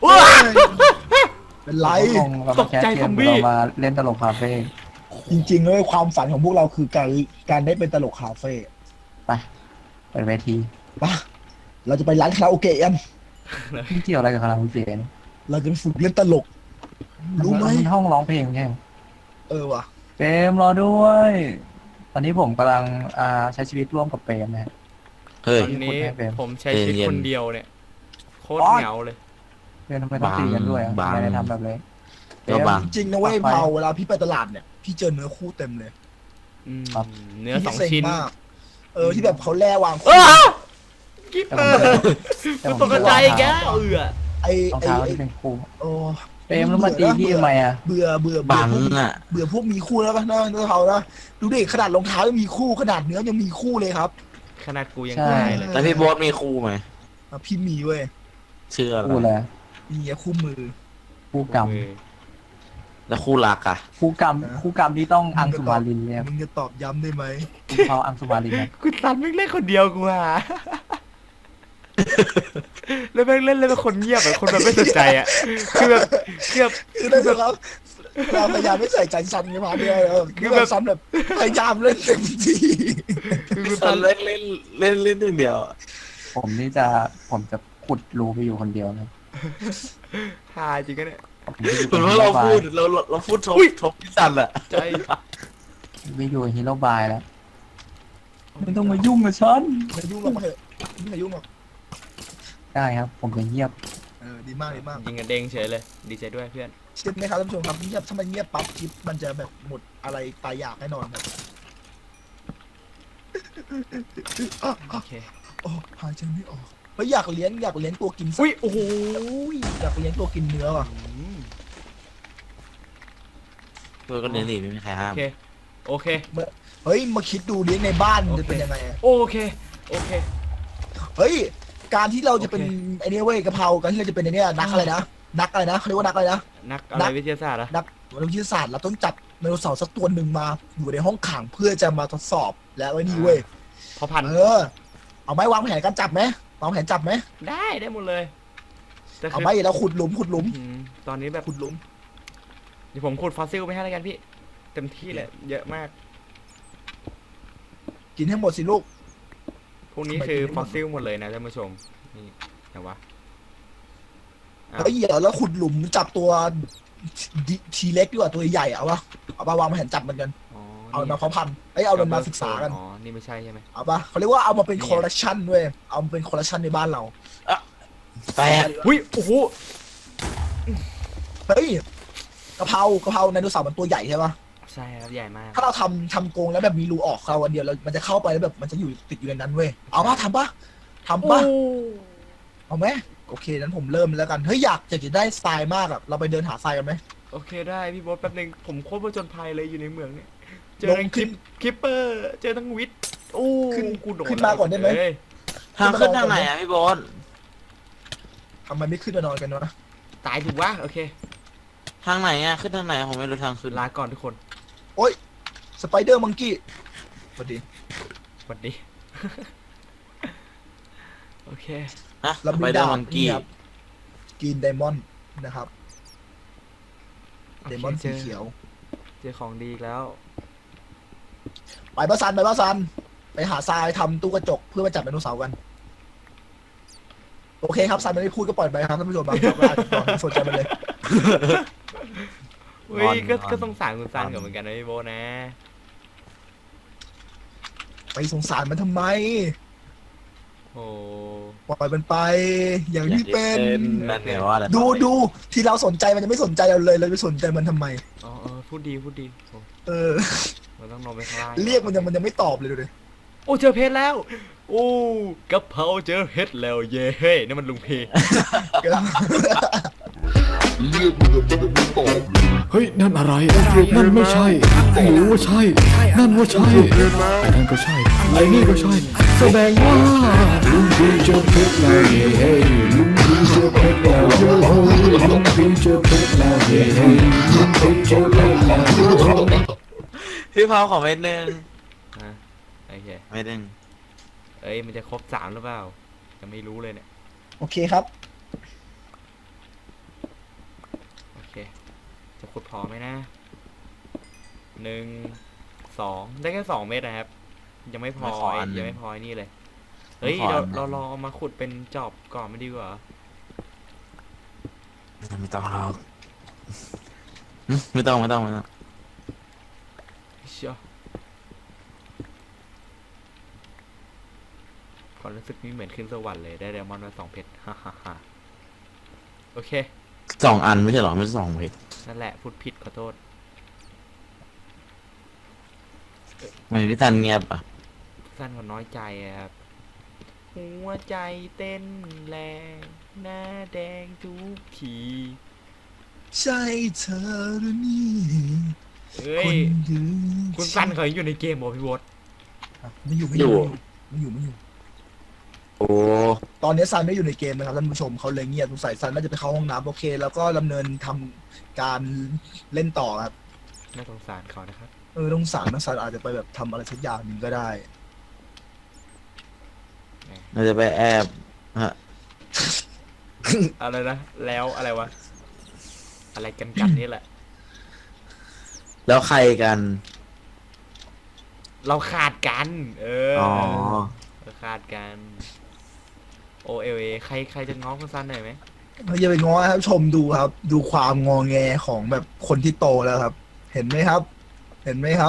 [SPEAKER 1] เป็นไร
[SPEAKER 3] เรามาแคส
[SPEAKER 2] ตกใจ
[SPEAKER 3] เก
[SPEAKER 2] ซอ
[SPEAKER 3] ม
[SPEAKER 2] มบี้
[SPEAKER 3] เรามาเล่นตลกคาเฟ่
[SPEAKER 1] จริงๆเลยความฝันของพวกเราคือการได้เป็นตลกคาเฟ่
[SPEAKER 3] ไปเปิดเวที
[SPEAKER 1] ปะเราจะไปร้านคาราโอเกะกัน
[SPEAKER 3] ไม่เกี่ยวอะไรกับคาราโอเกะนี่
[SPEAKER 1] เราจะไปฝึกเล่นตลก รู้ไหม
[SPEAKER 3] นห้องร้องเพลงใช่ไหม
[SPEAKER 1] ว่ะ
[SPEAKER 3] เปรมรอด้วย ตอนนี้ผมกำลังใช้ชีวิตร่วมกับเปรมนะฮะ
[SPEAKER 4] เฮ้ย
[SPEAKER 2] ตอนนี้
[SPEAKER 3] ให้เป็น
[SPEAKER 2] ผมใช้ชีวิต
[SPEAKER 4] เย็นๆ
[SPEAKER 2] คนเดียวเนี่ยโคตรเหงาเลย
[SPEAKER 3] เปรมทำไมต้องตีกันด้วยอ่ะ
[SPEAKER 4] บาง
[SPEAKER 3] ทำไมได้ทำแบบนี้เปร
[SPEAKER 4] ก็
[SPEAKER 3] ม
[SPEAKER 4] บาง
[SPEAKER 1] จริงๆนะเว้ย
[SPEAKER 3] ไป
[SPEAKER 1] เผาเวลาพี่ไปตลาดเนี่ยพี่เจอเนื้อคู่เต็มเลย
[SPEAKER 2] อืม
[SPEAKER 3] ครับ
[SPEAKER 2] เนื้อ
[SPEAKER 1] พี่
[SPEAKER 2] สอง
[SPEAKER 1] เซ็ง
[SPEAKER 2] ชิ้น
[SPEAKER 1] มากที่แบบเขาแล่วาง
[SPEAKER 2] เอ
[SPEAKER 1] คู่
[SPEAKER 2] อกิ๊บ
[SPEAKER 3] แต่ผม
[SPEAKER 2] ตกใจอีกแล้ว
[SPEAKER 1] ไอ้
[SPEAKER 3] รอง
[SPEAKER 1] ไอ้
[SPEAKER 3] เท้า
[SPEAKER 1] ไอ้
[SPEAKER 3] ที่เป็นคู่
[SPEAKER 1] โอ้
[SPEAKER 3] เปรมแล้วมาตีพี่ทำไมอ่ะ
[SPEAKER 1] เบื่อ
[SPEAKER 4] บังอ่ะ
[SPEAKER 1] เบื่อพวกมีคู่แล้วป่ะเนื้อเขานะดูดิขนาดรองเท้ายังมีคู่ขนาดเนื้อยังมีคู่เลยครับ
[SPEAKER 2] ขนาดกูยัง
[SPEAKER 3] ใช่
[SPEAKER 2] ตายเลย
[SPEAKER 4] แล้วพี่โบ๊ทมีครูไหม
[SPEAKER 1] พี่มีเว้ย
[SPEAKER 4] ชื่ออะไร
[SPEAKER 3] คู่เลย
[SPEAKER 1] มีคู่มือ
[SPEAKER 3] คู่กรรม
[SPEAKER 2] เออ
[SPEAKER 4] แล้วคู่รักอ่ะ
[SPEAKER 3] คู่กรรมคู่กรรมที่ต้องอังสุมาลินเนี่ย
[SPEAKER 1] มึงจะตอบย้ำได้ไหม
[SPEAKER 3] เขาอังสุมาลินนะ
[SPEAKER 2] กูตันแม่งเล่นคนเดียวกูอ่ะ แล้วแม่งเล่นเป็นคนเงียบแบบคนแบบไม่สนใจอ่ะคือแบบ
[SPEAKER 1] คือได้ครับเราพยายามไม่ใส่ใจซ้ำไงพาเนี่ยคือแบบซ้ำแบบพยายามเล่นเต็มที่
[SPEAKER 2] คือกู
[SPEAKER 4] ต
[SPEAKER 2] ตั
[SPEAKER 4] อน
[SPEAKER 2] น
[SPEAKER 4] เล่นอย่างเดียว
[SPEAKER 3] ผมจะขุดรูไปอยู่คนเดียวเลย
[SPEAKER 2] ฮาจริงกันเนี่ย
[SPEAKER 4] เหมือนว่าเราพูดทบพี่ซันแหละ
[SPEAKER 2] ใจ
[SPEAKER 3] ไปอยู่ฮีโร่บายแล้วไม่ต้องมายุ่งกับฉัน
[SPEAKER 1] ไม่ยุ่งหรอกมาเถอะไม่ให้ยุ่งหรอก
[SPEAKER 3] ได้ครับ ผมจะเงียบ
[SPEAKER 1] ดีมากดีมาก
[SPEAKER 2] ยิงกันเด้งเฉยเลย ดีใจด้วยเพื่อน
[SPEAKER 1] เชื่อไหมครับท่านผู้ชมครับเงียบถ้ามันเงียบปั๊บคลิปมันจะแบบหมดอะไรตายอยากแน่นอนครับ
[SPEAKER 2] โอเค
[SPEAKER 1] โอ้หายใจไม่ออกเฮ้ยอยากเลี้ยงตัวกินสัตว์
[SPEAKER 2] อุ้ย โอ้โห
[SPEAKER 1] อยากเลี้ยงตัวกินเนื้อว่ะ
[SPEAKER 4] ตัวก็เน้นหนีไม่มีใครห้า
[SPEAKER 2] โอ
[SPEAKER 4] ม
[SPEAKER 2] เค โอเค
[SPEAKER 1] เฮ้ยมาคิดดูเลี้ยงในบ้าน
[SPEAKER 2] โอเค
[SPEAKER 1] จะเป็นยังไงอะ
[SPEAKER 2] โอเค โอเค
[SPEAKER 1] เฮ้ยการที่เราจะเป็น
[SPEAKER 2] โอเค
[SPEAKER 1] ไอ้นี่เว้ยกะเพราการที่เราจะเป็นไอ้เนี่ยนักอะไรนะนักอะไรนะเขาเรียกว่านักอะไรนะ
[SPEAKER 2] นักอะไรวิทยาศาสตร์อะ
[SPEAKER 1] นักวิทยาศาสตร์เราต้องจับไดโนเสาร์สักตัวหนึ่งมาอยู่ในห้องขังเพื่อจะมาทดสอบแล้วไอ้นี่เว้ย
[SPEAKER 2] พอพันธุ์
[SPEAKER 1] เอาไหมวางแผนการจับไหมวางแผนจับไหม
[SPEAKER 2] ได้หมดเลยแต่
[SPEAKER 1] เอา
[SPEAKER 2] คือ
[SPEAKER 1] ไหมเราขุดหลุม
[SPEAKER 2] ตอนนี้แบบ
[SPEAKER 1] ขุดหลุม
[SPEAKER 2] เดี๋ยวผมขุดฟอสซิลไปให้แล้วกันพี่ เต็มที่เลยเยอะมาก
[SPEAKER 1] กินให้หมดสิลูก
[SPEAKER 2] พวกนี้คือฟอสซิลหมดเลยนะท่านผู้ชม นี่ไหนวะอ้าว
[SPEAKER 1] เฮ้ยเดี๋ยวเราขุดหลุมจับตัวทีเล็กดีกว่าตัวใหญ่เอาปะเอาปะวางแผนจับมันกัน
[SPEAKER 2] อ๋อ
[SPEAKER 1] เอามาเพาะพันธุ์เอามันมาศึกษากัน
[SPEAKER 2] อ๋อ นี่ไม่ใช่ใช่ไหม
[SPEAKER 1] เอาปะเขาเรียกว่าเอามาเป็น
[SPEAKER 2] นี่
[SPEAKER 1] คอลเลคชันด้วยเอามาเป็นคอลเลคชันในบ้านเรา
[SPEAKER 4] แปด
[SPEAKER 2] หุ้ย โอ้โห
[SPEAKER 1] เฮ้ยกะเพราไดโนเสาร์มันตัวใหญ่ใช่ปะ
[SPEAKER 2] ใช่ครับ ใหญ่มาก
[SPEAKER 1] ถ้าเราทำกรงแล้วแบบมีรูออกเราวันเดียวแล้วมันจะเข้าไปแล้วแบบมันจะอยู่ติดอยู่ในนั้นเว้ยเอาปะทำปะเอาไหมโอเคนั้นผมเริ่มแล้วกันเฮ้ยอยากจะได้ทรายมากอะเราไปเดินหาทรายกันไหม
[SPEAKER 2] โอเคได้พี่บอสแป๊บนึงผมโคตรผจญภัยเลยอยู่ในเมืองเนี่ย เจอ
[SPEAKER 1] ลง
[SPEAKER 2] ทั้ง
[SPEAKER 1] คลิป
[SPEAKER 2] คิปเปอร์ เจอทั้งวิทย์โอ้ กูโดน
[SPEAKER 1] ขึ้นมาก่อนได้ไหม
[SPEAKER 2] เย
[SPEAKER 4] ทางขึ้นทางไหนอ่ะพี่โบอส
[SPEAKER 1] ทำไมไม่ขึ้นมานอนกันวะ
[SPEAKER 2] ตายถูกวะโอเค
[SPEAKER 4] ทางไหนอ่ะขึ้นทางไหนผมไม่รู้ทางขึ้น
[SPEAKER 2] ลาก่อนทุกคน
[SPEAKER 1] สไปเดอร์มังกี้สวัสดี
[SPEAKER 2] สวัสดี โอเค
[SPEAKER 4] นะ
[SPEAKER 1] เรา
[SPEAKER 4] ไป
[SPEAKER 1] มี
[SPEAKER 4] เดอ
[SPEAKER 1] ดา
[SPEAKER 4] ร์
[SPEAKER 1] บ
[SPEAKER 4] มังกี้
[SPEAKER 1] นี่ครับกินไดมอนด์นะครับ
[SPEAKER 2] โอ
[SPEAKER 1] ได
[SPEAKER 2] เค
[SPEAKER 1] มอนด์
[SPEAKER 2] เจ
[SPEAKER 1] สี
[SPEAKER 2] อ
[SPEAKER 1] เขียว
[SPEAKER 2] เจอของดีอีกแล้ว
[SPEAKER 1] ไปบ้านซันไปหาทรายทำตู้กระจกเพื่อมาจับไดโนเสาร์กัน โอเคครับซันไม่ได้พูดก็ปล่อยไปครับท่านผู้ชมบางครับว่าไม่สนใจมันเลย
[SPEAKER 2] เฮ้ยก็สงสารคุณซันกับเหมือนกันนะพี่โบนะ
[SPEAKER 1] ไปสงสารมันทำไม
[SPEAKER 2] โอ้
[SPEAKER 1] ปล่อยมันไป อย่างที่เป็น
[SPEAKER 4] นั่นไงว่าอะไร
[SPEAKER 1] ดูที่เราสนใจมันจะไม่สนใจเราเลยเราไปสนใจมันทำไม
[SPEAKER 2] อ๋อพูดดีโอ้
[SPEAKER 1] เออ
[SPEAKER 2] เราต้องลงไปข้างล่าง
[SPEAKER 1] เรียกมันยังไม่ตอบเลยดูดิ
[SPEAKER 2] โอ้เจอเพชรแล้ว โอ้กะเพราเจอเพชรแล้วเย้เฮ้ยนี่มันลุงเพ
[SPEAKER 5] เฮ้ย นั่นอะไร นั่นไม่ใช่หรือว่าใช่ นั่นว่าใช่ ไอ้นั่นก็ใช่ ไอ้นี่ก็ใช่ แสดงว่าลุงพีเจอเพชรแล้วเย้เฮ้ลุงพีเจอเพชรแล้วเย้เฮ้ลุงพีเจอเพชรแล้วเย้เฮ้ลุงพีเจอเพชรแล้วเย้เฮ้
[SPEAKER 4] พี่พาวของเม็ดหนึ่ง
[SPEAKER 2] อ่ะโอเค
[SPEAKER 4] เม็ดหนึ่ง
[SPEAKER 2] เอ้ยมันจะครบ3หรือเปล่าจะไม่รู้เลยเนี่ย
[SPEAKER 1] โอเคครับ
[SPEAKER 2] โอเค จะขุดพอไหมนะ 1 2 ได้แค่2 เม็ดนะครับ ยังไม่พอยังไม่พอไอ้นี่เลย เฮ้ยเราลองเอามาขุดเป็นจอบก่อนไม่ดีกว่า
[SPEAKER 4] ไม่ต้องหรอกไม่ต้อง
[SPEAKER 2] เชียวความรู้สึกนี้เหมือนขึ้นสวรรค์เลยได้ไดมอนด์มา2 เพชร ฮ่าฮ่าฮ่าโอเค
[SPEAKER 4] 2 อันไม่ใช่หรอไม่ใช่2เม็ด
[SPEAKER 2] นั่นแหละพูดผิดขอโทษ
[SPEAKER 4] ไม่พี่ซันเงียบอ่ะ
[SPEAKER 2] สั้นกว่าน้อยใจอะครับ หัวใจเต้นแรงหน้าแดงทุกที
[SPEAKER 1] ใช่เธอหรือนี่
[SPEAKER 2] เอ้
[SPEAKER 1] ค
[SPEAKER 2] ย
[SPEAKER 1] นยืน
[SPEAKER 2] คุณสั้นเขาอยู่ในเกมเหรอพี่วอด
[SPEAKER 1] ไม่อยู่
[SPEAKER 4] โอ้
[SPEAKER 1] ตอนนี้ซันไม่อยู่ในเกมนะครับท่านผู้ชมเขาเลยเงียบสงสัยซันน่าจะไปเข้าห้องน้ำโอเค แล้วก็ดำเนินทำการเล่นต่อครับ
[SPEAKER 2] น่าสงสารเขานะครับ
[SPEAKER 1] ต้องสารนะซันอาจจะไปแบบทำอะไรสักอย่างหนึ่งก็ได้
[SPEAKER 4] เราจะไปแอบฮะ
[SPEAKER 2] อะไรนะ แล้วอะไรวะ อะไรกันนี่แหละ
[SPEAKER 4] แล้วใครกัน
[SPEAKER 2] เราขาดกัน
[SPEAKER 4] อ๋อ
[SPEAKER 2] เราขาดกัน OLA ใครจะง้อคุณซันหน่อยไหม
[SPEAKER 1] เราอย่าไปง้อครับชมดูครับ ดูความงอแงของแบบคนที่โตแล้วครับ เห็นไหมครับ เห็นไหมครับ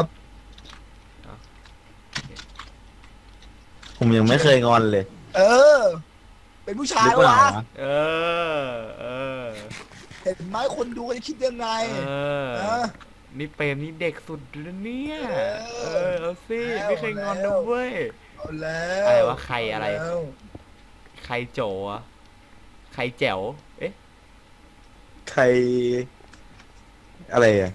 [SPEAKER 4] ผมยังไม่เคยงอนเลย
[SPEAKER 1] เออ เป็นผู้ชาย
[SPEAKER 4] หรือเปล่าว
[SPEAKER 1] ะ
[SPEAKER 2] เออ
[SPEAKER 1] เห็นไหมคนดูจะคิดยังไง
[SPEAKER 2] เออ
[SPEAKER 1] เออ
[SPEAKER 2] นี่เปรมนี่เด็กสุดเลยเนี่ย
[SPEAKER 1] เออ
[SPEAKER 2] เอาสิ
[SPEAKER 1] แล้ว
[SPEAKER 2] ไม่เคยงอนนะเว้ย
[SPEAKER 1] เอาแล้ว
[SPEAKER 2] อะไรวะใครอะไร
[SPEAKER 1] แล้ว
[SPEAKER 2] ใครโจอะใครแจ๋ว เอ๊ะ
[SPEAKER 4] ใคร อะไรอ่ะ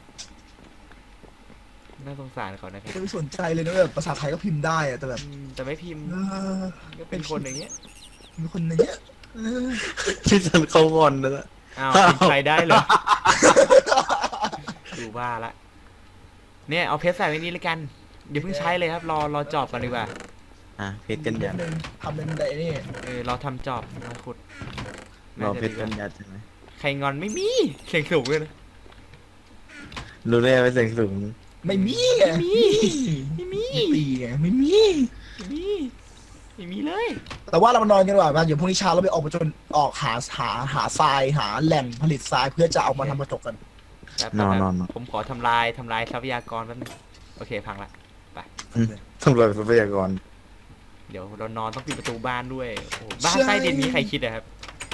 [SPEAKER 2] น่าสงสารเขานะครับ
[SPEAKER 1] จะไม่สนใจเลยนะแบบภาษาไทยก็พิมพ์ได้อะแต่แบบ
[SPEAKER 2] แต่ไม่พิมพ์
[SPEAKER 1] เออ
[SPEAKER 2] ก็เป็นคนอย่างเงี้ย
[SPEAKER 1] มีคนอย่างเงี้ยเออ
[SPEAKER 4] พี่ซันเขางอนแล้ว
[SPEAKER 2] อ้าวพิมพ์ใครได้เลย ดูว่าละ เนี่ยเอาเพชรใส่ไว้นี้เลยกันอย่าเพิ่งใช้เลยครับ รอจอบกันดีกว่า
[SPEAKER 4] อ่ะเพชรกันยัน
[SPEAKER 1] ทำเป็นไอ้นี่
[SPEAKER 2] เราทำจอบมาขุด
[SPEAKER 4] รอ
[SPEAKER 2] น่าจะ
[SPEAKER 4] เพชร
[SPEAKER 2] ดีก
[SPEAKER 4] กั
[SPEAKER 2] ว่าน
[SPEAKER 4] ยันใช่ไหม
[SPEAKER 2] ใครงอนไม่มีเสียงสูงเลยนะ
[SPEAKER 4] รู้เลยว่าเสียงสูง
[SPEAKER 1] ไม่มีไง
[SPEAKER 2] ไม่มี
[SPEAKER 1] ไม่มีไงไม่มี
[SPEAKER 2] ไม่มีเลย
[SPEAKER 1] แต่ว่าเรามานอนกันดีกว่ามาเดี๋ยวพรุ่งนี้เช้าเราไปออกไปจนออกหาทรายหาแหล่งผลิตทรายเพื่อจะเอามาทำกระจกกัน
[SPEAKER 2] แป๊บ
[SPEAKER 4] นอน
[SPEAKER 2] แป๊บ
[SPEAKER 4] นอน
[SPEAKER 2] ผมขอทำลายทรัพยากรแป๊บนึงโอเคพังละ
[SPEAKER 4] สำหรับทรัพยากร
[SPEAKER 2] เดี๋ยวเรานอนต้องปิดประตูบ้านด้วยโอ้โหบ้านใต้ดินนี้ใครคิดอะครับ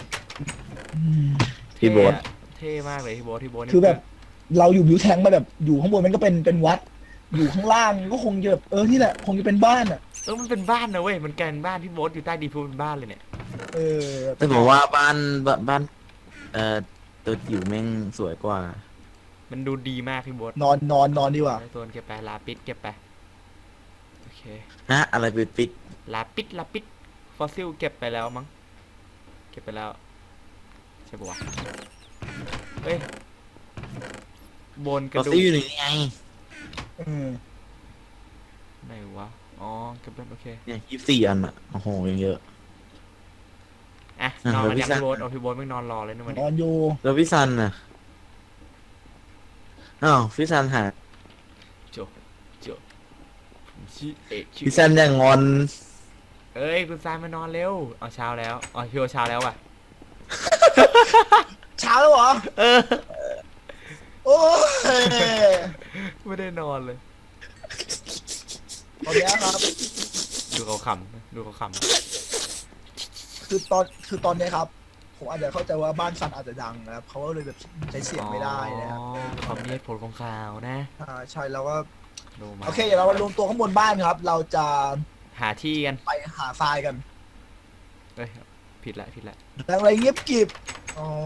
[SPEAKER 4] พี่โบ๊ท
[SPEAKER 2] เท่มากเลยพี่โบ๊ทนี่
[SPEAKER 1] คือแบบเราอยู่บิวแทงมาแบบอยู่ข้างบนมันก็เป็นวัด อยู่ข้างล่างก็คงจะแบบนี่แหละคงจะเป็นบ้านอ่ะ
[SPEAKER 2] มันเป็นบ้านนะเว้ยมันกลายเป็นบ้านพี่โบ๊ทอยู่ใต้ดินพูเป็นบ้านเลยเนี่ย
[SPEAKER 1] เออ
[SPEAKER 4] แต่ผมว่าบ้านตัวจิ๋วแม่งสวยกว่า
[SPEAKER 2] มันดูดีมากพี่โบ๊ท
[SPEAKER 1] นอนดีกว่า
[SPEAKER 2] โซนเก็บไปลาปิดเก็บไปโอเค
[SPEAKER 4] ฮะ อะไรปิด
[SPEAKER 2] ลาปิดฟอสซิลเก็บไปแล้วมั้งเก็บไปแล้วใช่ปะวะเฮ้ยบนก
[SPEAKER 4] ก็
[SPEAKER 2] ระดู
[SPEAKER 4] ซิ่
[SPEAKER 2] ก
[SPEAKER 4] อยู่นี่ไง
[SPEAKER 1] เออ
[SPEAKER 2] ไหนวะอ๋อเก็บแล้วโอเค
[SPEAKER 4] เนี่ย24 อันอ่ะ โอ้โหยังเยอะ
[SPEAKER 2] อ่ะ
[SPEAKER 4] อ่ะ
[SPEAKER 2] นอนกันยัง
[SPEAKER 4] แล้วพี่
[SPEAKER 2] พี่โบ๊ท
[SPEAKER 4] ซัน
[SPEAKER 2] เอาพี่โบ๊ทไม่นอนรอเลยนะวัน
[SPEAKER 1] น
[SPEAKER 2] นี้
[SPEAKER 1] อนอยู่
[SPEAKER 4] แล้วพี่ซันน่ะอ้าวพี่ซันหา
[SPEAKER 2] โจผมชื่อเอกชื่
[SPEAKER 4] พี่ซันอย่างงอน
[SPEAKER 2] เอ้ยคุณซายมานอนเร็วเอาเช้าแล้วอ๋อพี่โอเช้าแล้วว่ะ
[SPEAKER 1] เช้าแล้วเหรอ
[SPEAKER 2] เออ
[SPEAKER 1] โอ้ย
[SPEAKER 2] ไม่ได้นอนเลย
[SPEAKER 1] ตอนเนี้ยครับ
[SPEAKER 2] ดูเขาขำดูเขาขำ
[SPEAKER 1] คือตอนเนี้ยครับ ผมอาจจะเข้าใจว่าบ้านซันอาจจะดังนะครับเขาก็เลยแบบใช้เสียงไม่ได้นะครับ
[SPEAKER 2] อ๋อเขามีเหตุผลของข่าวนะ
[SPEAKER 1] ใช่แล้วก็
[SPEAKER 2] ดูมา
[SPEAKER 1] โอเคเดี๋ยวเรามารวมตัวข้างบนบ้านครับ เราจะ
[SPEAKER 2] หาที่กัน
[SPEAKER 1] ไปหาทรายกัน
[SPEAKER 2] เอ้ยผิดละ
[SPEAKER 1] แล้วอะไรเงียบกริบอ๋อ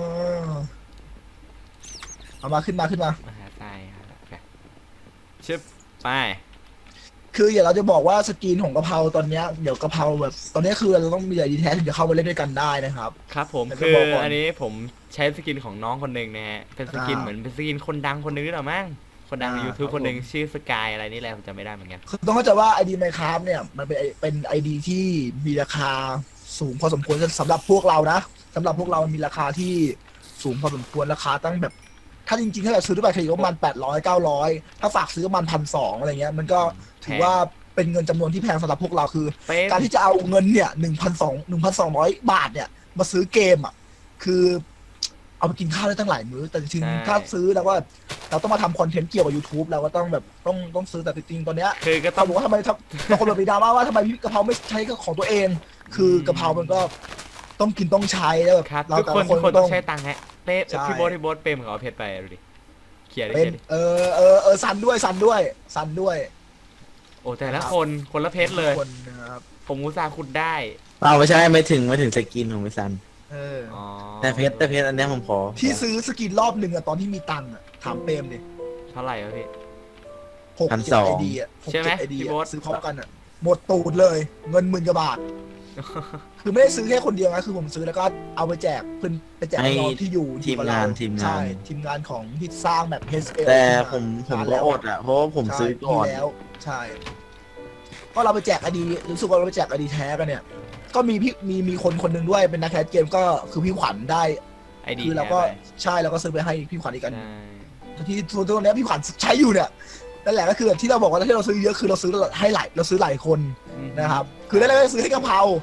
[SPEAKER 1] เอามาขึ้นมา
[SPEAKER 2] มาหาทรายหาละโอเคชึบไป
[SPEAKER 1] คืออย่าเราจะบอกว่าสกรีนของกะเพราตอนเนี้ยเดี๋ยวกะเพราแบบตอนเนี้ยคือเราต้องมีอะไรดีแท้ถึงจะเข้ามาเล่นด้วยกันได้นะครับ
[SPEAKER 2] ครับผม
[SPEAKER 1] แต่จะ
[SPEAKER 2] คือ
[SPEAKER 1] บอกก่อน
[SPEAKER 2] อันนี้ผมใช้สกินของน้องคนหนึ่งนะฮะเป็นสกิน
[SPEAKER 1] อ่า
[SPEAKER 2] เหมือนเป็นสกินคนดังคนหนึ่งหรือเปล่ามั้งคนดังใน YouTube
[SPEAKER 1] ครับ
[SPEAKER 2] คนหนึ่ง
[SPEAKER 1] ผม
[SPEAKER 2] ชื่อสกายอะไรนี่แหละผมจำไม่ได้เหมือนกัน
[SPEAKER 1] คือต้องเข้าใจว่า ID Minecraft เนี่ยมันเป็น ID ที่มีราคาสูงพอสมควรสำหรับพวกเรานะสำหรับพวกเรามันมีราคาที่สูงพอสมควรราคาตั้งแบบ ถ้าจริงๆถ้าเกิดซื้อด้วยบัตรเครดิตก็ประมาณ800 900ถ้าฝากซื้อก็ประมาณ1,200อะไรเงี้ยมันก็ถือว่าเป็นเงินจำนวนที่แพงสำหรับพวกเราคือ
[SPEAKER 2] เป็น
[SPEAKER 1] การที่จะเอาเงินเนี่ย1,200 บาทเนี่ยมาซื้อเกมอ่ะคือเอาไปกินข้าวได้ตั้งหลายมื้อแต่จริงๆถ้าซื้อแล้วว่าเราต้องมาทำคอนเทนต์เกี่ยวกับ YouTube เราก็ต้องแบบต้องซื้อแต่จริงๆตอนเนี้ย
[SPEAKER 2] คือก็ต้
[SPEAKER 1] เขา
[SPEAKER 2] อง
[SPEAKER 1] บอกว่าทำไมบางคนแบบมีดราม่าว่าทำไมพี่กะเพราไม่ใช้ของตัวเอง คือกะเพรามันก็ต้องกินต้องใช้แล้วแบบ
[SPEAKER 2] ครับ
[SPEAKER 1] เรา
[SPEAKER 2] ทุก
[SPEAKER 1] แต่
[SPEAKER 2] คน
[SPEAKER 1] ละ
[SPEAKER 2] ทุกคน
[SPEAKER 1] ต้
[SPEAKER 2] ต้
[SPEAKER 1] อ
[SPEAKER 2] อง งใช้ตังค์ฮะเป๊ะ
[SPEAKER 1] ใช่
[SPEAKER 2] พี่โบ๊ทเปรมกับเอาเพชรไปดูดิเขียนดิ
[SPEAKER 1] เป็น
[SPEAKER 2] เขียนดิ
[SPEAKER 1] ซันด้วย
[SPEAKER 2] โอ้แต่ละคนละเพชรเลย
[SPEAKER 1] คนนะครับ
[SPEAKER 2] ผมอุตส่าห์ขุดได้
[SPEAKER 4] ไม่ใช่ไม่ถึงสกินของพี่ซัน
[SPEAKER 2] อ๋อ
[SPEAKER 4] แต่เพชรอันเนี้ยผมขอ
[SPEAKER 1] ที่ซื้อสกินรอบหนึ่งอะตอนที่มีตังค์อะถามเปรมดิ
[SPEAKER 2] เท่าไหร่วะพี่
[SPEAKER 1] 6-7 ID อะ
[SPEAKER 2] ใช่ไหม
[SPEAKER 1] 6-7 ID
[SPEAKER 2] พี่
[SPEAKER 1] อะ
[SPEAKER 2] โบ๊ท
[SPEAKER 1] ซื้อพร้อมกันอะหมดตูดเลยเงิน10,000 กว่าบาท คือไม่ได้ซื้อแค่คนเดียวนะคือผมซื้อแล้วก็เอาไปแจกเพื่อนไปแจกน้องที่อยู่
[SPEAKER 4] ทีม
[SPEAKER 1] กับ
[SPEAKER 4] งา
[SPEAKER 1] เร
[SPEAKER 4] นทีม
[SPEAKER 1] ใช่
[SPEAKER 4] งาน
[SPEAKER 1] ทีมงานของที่สร้างแบบ HL
[SPEAKER 4] แต่ผมก็อดอ่ะ เพราะว่าผมซื้อก่อน
[SPEAKER 1] ใช่มีแล้วใช่ ก็เราไปแจกอดีรู้สึกว่าเราไปแจกอดีแท้กันเนี่ย ก็มีพี่มีคนหนึ่งด้วยเป็นนักแคสเกมก็คือพี่ขวัญได้
[SPEAKER 2] ไอดี
[SPEAKER 1] คือเราก็ใช่เราก็ซื้อไปให้พี่ขวัญอีกอัน
[SPEAKER 2] ใช่
[SPEAKER 1] ที่ส่วนตัวเนี้ยพี่ขวัญใช้อยู่เนี่ยนั่นแหละก็คือแบบที่เราบอกว่าที่เราซื้อเยอะคือเราซื้อหลายคนนะครับ คือแรกๆก็ซื้อให้กะเพรา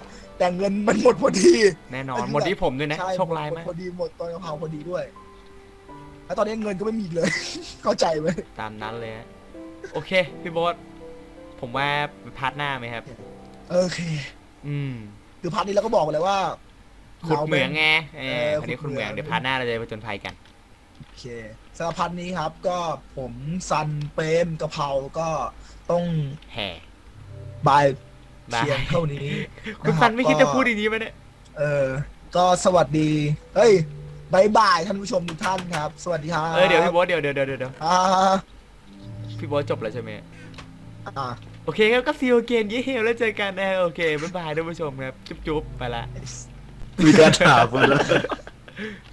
[SPEAKER 1] แต่เงินมันหมดพอดี
[SPEAKER 2] แน่นอนหมดที่ผมด้วยนะ
[SPEAKER 1] ใช่
[SPEAKER 2] โชคร้าย
[SPEAKER 1] หม
[SPEAKER 2] มา
[SPEAKER 1] ด
[SPEAKER 2] ก
[SPEAKER 1] พอดีหมดตอนกะเพราพอดีด้วยแล้วตอนนี้เงินก็ไม่มีอีกเลย เข้าใจไหม
[SPEAKER 2] ตามนั้นเลยฮะโอเคพี่โบ๊ทผมว่าพาร์ทหน้าไหมครับ
[SPEAKER 1] โอเค
[SPEAKER 2] อืม
[SPEAKER 1] คือพาร์ทนี้เราก็บอกเลยว่า
[SPEAKER 2] ขุดเหมืองไงเอ
[SPEAKER 1] เอ
[SPEAKER 2] อ
[SPEAKER 1] อ
[SPEAKER 2] อันนี้
[SPEAKER 1] ขุ
[SPEAKER 2] ขุ
[SPEAKER 1] ด
[SPEAKER 2] ด
[SPEAKER 1] เห
[SPEAKER 2] เห
[SPEAKER 1] มื
[SPEAKER 2] มื
[SPEAKER 1] อ
[SPEAKER 2] อง งเดี๋ยวพาร์ทหน้าเราจะไปผจญภัยกัน
[SPEAKER 1] โอเคสำหรับพาร์ทนี้ครับ ก็ผมซันเปรมกะเพราก็ต้อง
[SPEAKER 2] แห่
[SPEAKER 1] บาย
[SPEAKER 2] บาย
[SPEAKER 1] เพียงเท่านี้
[SPEAKER 2] คุณซันไม่คิดจะพูดอย่างนี้ไหมเนี่ย
[SPEAKER 1] ก็สวัสดีเฮ้ยบายบายท่านผู้ชมทุกท่านครับ สวัสดีครับ
[SPEAKER 2] เดี๋ยวพี่โบ๊ทเดี๋ยว
[SPEAKER 1] อ่า
[SPEAKER 2] พี่โบ๊ทจบแล้วใช่ไหม
[SPEAKER 1] อ่า
[SPEAKER 2] โอเคครับก็ซีโอเกนเย่แล้วเจอกันนะโอเคบ๊ายบายท่านผู้ชมครับจุ๊บๆไปละ
[SPEAKER 4] มีการถามมาแล้ว